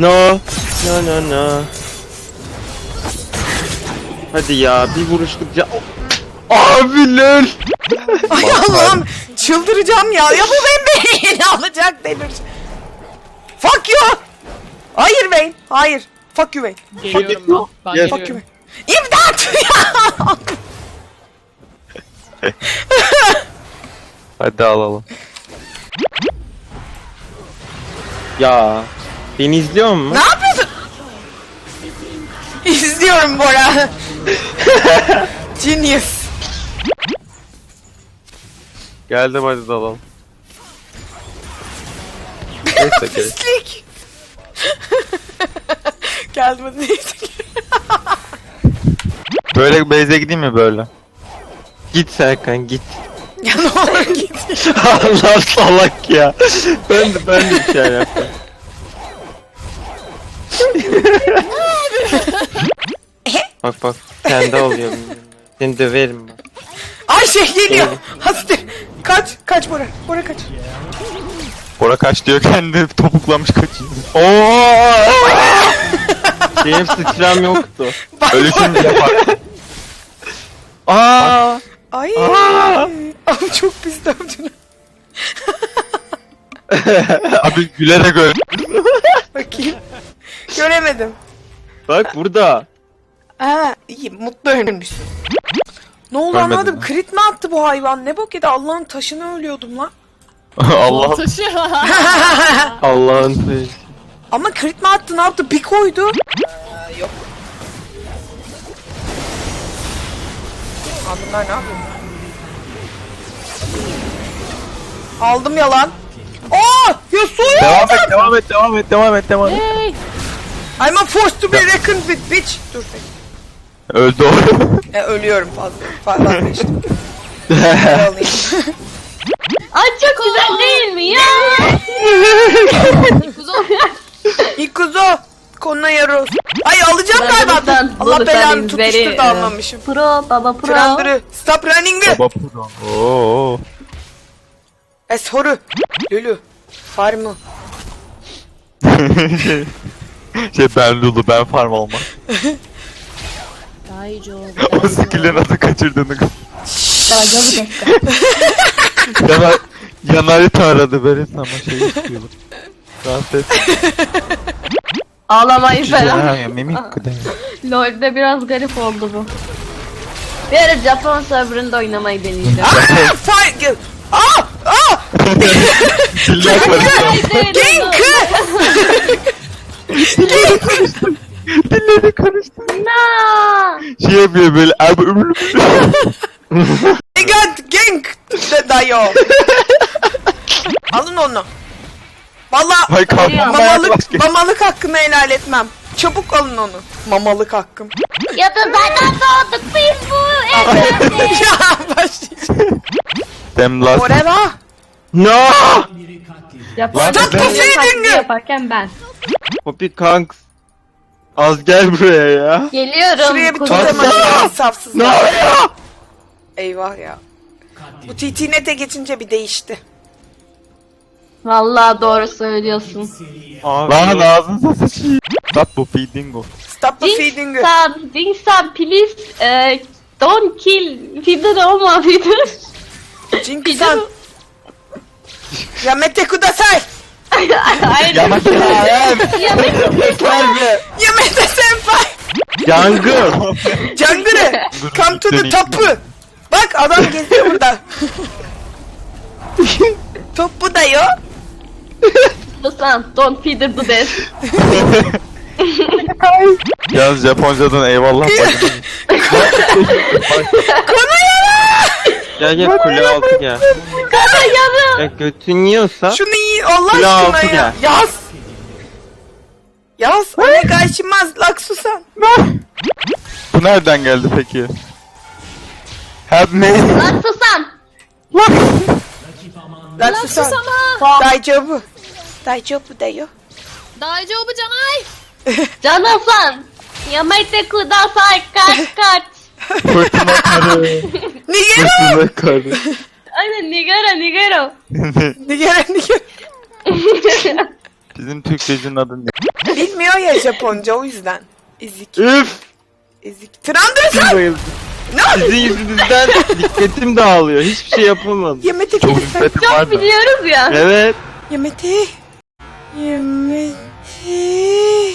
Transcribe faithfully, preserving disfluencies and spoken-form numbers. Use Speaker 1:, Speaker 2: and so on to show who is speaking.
Speaker 1: No. No no no. Hadi ya bir vuruşluk ca... Abiler.
Speaker 2: Ay Allah'ım çıldıracağım ya. Ya bu benim beni alacak denir. Fuck you. Hayır Vayne. Hayır. Fuck you Vayne.
Speaker 3: Geliyorum ben. Ben
Speaker 1: Yes.
Speaker 2: Fuck you
Speaker 3: geliyorum.
Speaker 2: Vayne. İmdat ya.
Speaker 1: Hadi alalım. Ya beni izliyor musun?
Speaker 2: Ne yapıyorsun? İzliyorum Bora. Genius.
Speaker 1: Geldim hadi dalalım. Neyse gel.
Speaker 2: Pislik. Geldim hadi neyse.
Speaker 1: Böyle base'e gideyim mi böyle? Git Serkan git.
Speaker 2: Ya ne olur git.
Speaker 1: Allah salak ya. Ben de ben de bir şey yaptım. Bak bak kendi oluyor. Seni döverim bak.
Speaker 2: Ayşe geliyor. Hastir. Kaç. Kaç Bora. Bora kaç.
Speaker 4: Bora kaç diyor kendi topuklamış kaçıyor.
Speaker 1: Oo! Benim sıçram yoktu.
Speaker 2: Bak,
Speaker 4: Ölüşünce yapar.
Speaker 1: Aa!
Speaker 2: Ay.
Speaker 1: Aa!
Speaker 2: Abi çok pis dövdün.
Speaker 4: Abi gülerek öl.
Speaker 2: Bakayım. Göremedim.
Speaker 1: Bak burada.
Speaker 2: Ha iyi mutlu ölmüşsün. Ne oldu
Speaker 4: Ölmedim
Speaker 2: anlamadım.
Speaker 4: ya.
Speaker 2: Crit mi attı bu hayvan? Ne bok yedi? Allah'ın taşını ölüyordum lan.
Speaker 4: Allah.
Speaker 3: Taşı.
Speaker 1: Allah'ın sevgisi.
Speaker 2: Ama crit mi attı? Ne yaptı? Bir koydu. Ee, yok. Aa, bunlar ne yapıyor? Aldım yalan. Aa! Yasuo'yu
Speaker 4: Devam
Speaker 2: aldım.
Speaker 4: et, devam et, devam et, devam et, devam et.
Speaker 3: Hey.
Speaker 2: I'm a forced to be reckoned with bitch. Dur bekle.
Speaker 4: Öldü o.
Speaker 2: E, ölüyorum fazla. Fazla vazgeçtim. Alayım.
Speaker 5: Ay çok güzel değil mi ya?
Speaker 2: Ikuzo. Konuna yaros. Ay alacağım
Speaker 5: Ben
Speaker 2: galiba.
Speaker 5: buradan
Speaker 2: Allah
Speaker 5: Lulu'dan
Speaker 2: belanı
Speaker 5: izleri,
Speaker 2: tutuştur da
Speaker 5: e,
Speaker 2: almamışım.
Speaker 5: Pro baba pro.
Speaker 2: Trandırı. Stop running.
Speaker 4: Baba puro. Oo.
Speaker 2: Eshoru. Lulu. Farmı.
Speaker 4: şey, şey ben Lulu, ben farm olma.
Speaker 3: Daijo.
Speaker 4: O skill'e nasıl kaçırdığını.
Speaker 5: Daijo bir dakika.
Speaker 4: Yanar, yanarita aradı böyle ama şey istiyordu. Rahatsız et.
Speaker 5: Ağlamayı falan.
Speaker 4: Ya ya mimik kıdem.
Speaker 5: LoL'de biraz garip oldu bu. Bir ara Japon serverında oynamayı deneyeceğim.
Speaker 2: Aa! Fire. Aa! Aa!
Speaker 4: Diller karıştı.
Speaker 2: Genk!
Speaker 4: Dilleri karıştı.
Speaker 5: Na!
Speaker 4: Şey yapıyor böyle. Abi ömrüm.
Speaker 2: Gigant Genk! De dayo. Alın onu. Valla
Speaker 4: Hay kalkma.
Speaker 2: mamalık, mamalık hakkını helal etmem. Çabuk alın onu. Mamalık hakkım.
Speaker 5: Ya da zaten doğduk biz bu evrende.
Speaker 2: Ya başlayacağım.
Speaker 4: Dem last.
Speaker 2: Oreva.
Speaker 1: No!
Speaker 5: Japon
Speaker 2: Stop the feeding!
Speaker 5: yaparken ben.
Speaker 1: Poppy Kanks. Az gel buraya ya.
Speaker 5: Geliyorum.
Speaker 2: Şuraya bir
Speaker 5: kuzum.
Speaker 2: tutam açayım insafsızlar.
Speaker 1: ya?
Speaker 2: Eyvah ya. Bu T T Net'e geçince bir değişti.
Speaker 5: Vallahi doğru söylüyorsun.
Speaker 1: Abi.
Speaker 4: Lan ağzınıza sıçayım. Stop bu feedingo.
Speaker 2: Stop the feeding.
Speaker 5: Dinsan, Dinsan please uh, don't kill Feeder olma Feeder.
Speaker 2: Jinx-san. Yamete kudasai.
Speaker 5: Hayır.
Speaker 4: Yamak ya.
Speaker 2: Yamete senpai.
Speaker 1: Yangın.
Speaker 2: Jungle'ı. Come to the top. Bak adam geziyor burada. Topu da yok.
Speaker 5: Dinsan, don't feeder to death.
Speaker 4: Yalnız Japoncadan eyvallah bakın.
Speaker 1: Gel gel kule altı gel.
Speaker 5: Kana yarım.
Speaker 1: Ya götün yiyorsa.
Speaker 2: Şunu iyi Allah
Speaker 1: Kule
Speaker 2: aşkına
Speaker 1: altı
Speaker 2: ya.
Speaker 1: gel.
Speaker 2: Yaz. Yaz. Ona karşımaz Laksusan.
Speaker 4: Bu nereden geldi peki? Help me.
Speaker 5: Lan susan.
Speaker 2: Laksusan.
Speaker 3: Sana.
Speaker 2: Daijobu. Daijobu da yok.
Speaker 3: Daijo bu canay.
Speaker 5: Canasan. Yamete kudasai kaç kaç.
Speaker 4: Fırtına karı.
Speaker 2: Nigero.
Speaker 1: Kızına karı.
Speaker 5: Aynen nigara nigara.
Speaker 2: Nigero Nigero.
Speaker 4: Bizim Sizin Türkçe'nin adı ne?
Speaker 2: Bilmiyor ya Japonca o yüzden. Ezik.
Speaker 1: Üf!
Speaker 2: Ezik. Trandırsan!
Speaker 1: Bayıldım.
Speaker 2: Ne oldu?
Speaker 1: Sizin yüzünüzden dikkatim dağılıyor. Hiçbir şey yapamadım.
Speaker 2: Yemete
Speaker 4: Çok
Speaker 2: lütfen.
Speaker 4: dikkatim var
Speaker 5: Çok
Speaker 4: da.
Speaker 5: biliyoruz ya.
Speaker 1: Evet.
Speaker 2: Yemete. Yemete.